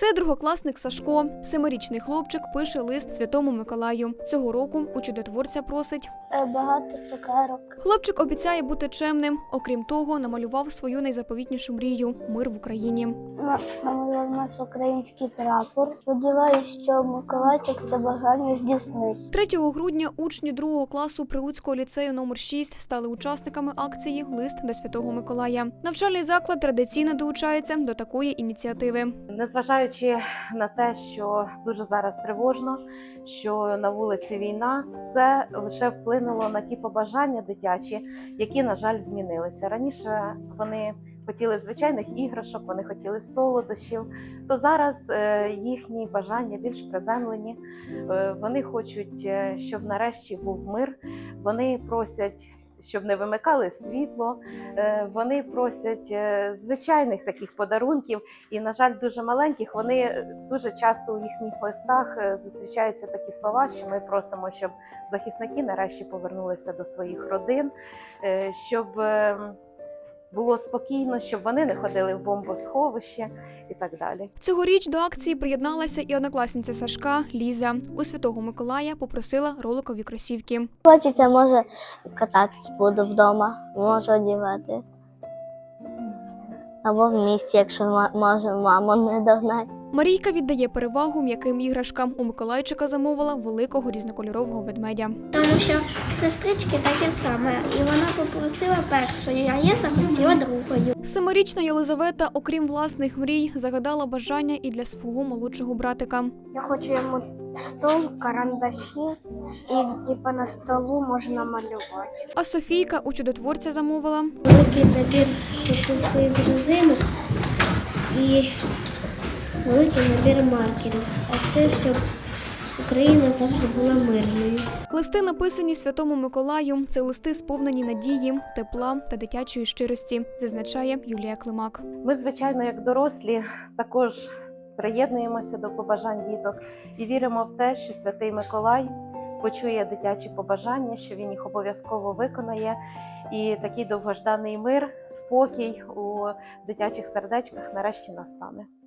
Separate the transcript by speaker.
Speaker 1: Це другокласник Сашко. 7-річний хлопчик пише лист Святому Миколаю. Цього року у чудотворця просить
Speaker 2: багато цукерок.
Speaker 1: Хлопчик обіцяє бути чемним. Окрім того, намалював свою найзаповітнішу мрію – мир в Україні.
Speaker 2: Намалював наш український прапор. Сподіваюсь, що Миколайчик це бажання здійснить.
Speaker 1: 3 грудня учні 2 класу Прилуцького ліцею номер 6 стали учасниками акції «Лист до Святого Миколая». Навчальний заклад традиційно долучається до такої ініціативи.
Speaker 3: Незважаючи на те, що дуже зараз тривожно, що на вулиці війна, це лише вплинуло на ті побажання дитячі, які, на жаль, змінилися. Раніше вони хотіли звичайних іграшок, вони хотіли солодощів, то зараз їхні бажання більш приземлені. Вони хочуть, щоб нарешті був мир, вони просять, щоб не вимикали світло, вони просять звичайних таких подарунків і, на жаль, дуже маленьких. Вони дуже часто у їхніх листах зустрічаються такі слова, що ми просимо, щоб захисники нарешті повернулися до своїх родин, щоб було спокійно, щоб вони не ходили в бомбосховище і так далі.
Speaker 1: Цьогоріч до акції приєдналася і однокласниця Сашка Ліза. У Святого Миколая попросила роликові кросівки.
Speaker 2: Хочеться, може, кататись буду вдома, можу одягати. Або в місті, якщо може маму не догнати.
Speaker 1: Марійка віддає перевагу м'яким іграшкам. У Миколайчика замовила великого різнокольорового ведмедя.
Speaker 4: Тому що сестрички таке саме, і вона попросила першою, а я захотіла другою.
Speaker 1: 7-річна Єлизавета, окрім власних мрій, загадала бажання і для свого молодшого братика.
Speaker 2: Я хочу йому стол, карандаші і на столу можна малювати.
Speaker 1: А Софійка у чудотворця замовила
Speaker 4: Великий набір шоколистої з резинок і великий набір маркерів. А ще, щоб Україна завжди була мирною.
Speaker 1: листи, написані Святому Миколаю. Це листи, сповнені надії, тепла та дитячої щирості, зазначає Юлія Климак.
Speaker 3: Ми, звичайно, як дорослі, також приєднуємося до побажань діток і віримо в те, що Святий Миколай почує дитячі побажання, що він їх обов'язково виконає. І такий довгожданий мир, спокій у дитячих сердечках нарешті настане.